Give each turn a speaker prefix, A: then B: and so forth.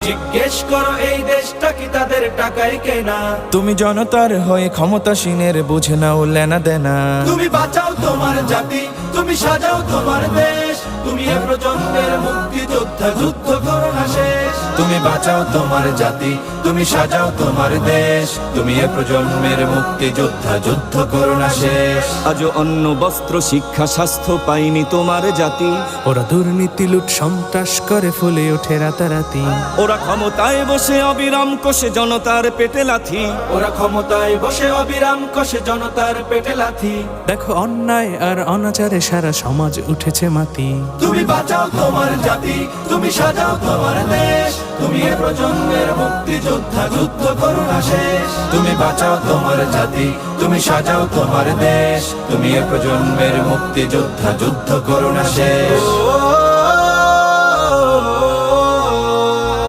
A: জিজ্ঞেস করো এই দেশটা কি তাদের টাকায় কেনা।
B: তুমি জনতার হয়ে ক্ষমতাসীনের বুঝে নাও লেনা দেনা।
A: তুমি বাঁচাও তোমার জাতি, তুমি সাজাও তোমার দেশ, তুমি এ প্রজন্মের মুক্তিযোদ্ধা, যুদ্ধ করো না শেষ। তুমি বাঁচাও তোমার জাতি, তুমি সাজাও তোমার দেশ, তুমি এ প্রজন্মের মুক্তিযোদ্ধা, যুদ্ধ করো না শেষ।
C: আজও অন্ন বস্ত্র শিক্ষা স্বাস্থ্য পাইনি তোমার জাতি।
D: ওরা দুর্নীতি লুট সন্ত্রাস করে ফুলে ওঠে রাতারাতি।
C: ওরা ক্ষমতায় বসে অবিরাম কষে জনতার পেটে লাথি।
A: ওরা ক্ষমতায় বসে অবিরাম কষে জনতার পেটে লাথি।
D: দেখো অন্যায় আর অনাচারে সারা সমাজ উঠেছে মাতি।
A: তুমি বাঁচাও তোমার জাতি, তুমি সাজাও তোমার দেশ, তুমি এ প্রজন্মের মুক্তিযোদ্ধা, যুদ্ধ করো না শেষ। তুমি বাঁচাও তোমার জাতি, তুমি সাজাও তোমার দেশ, তুমি এ প্রজন্মের মুক্তিযোদ্ধা, যুদ্ধ করো না শেষ।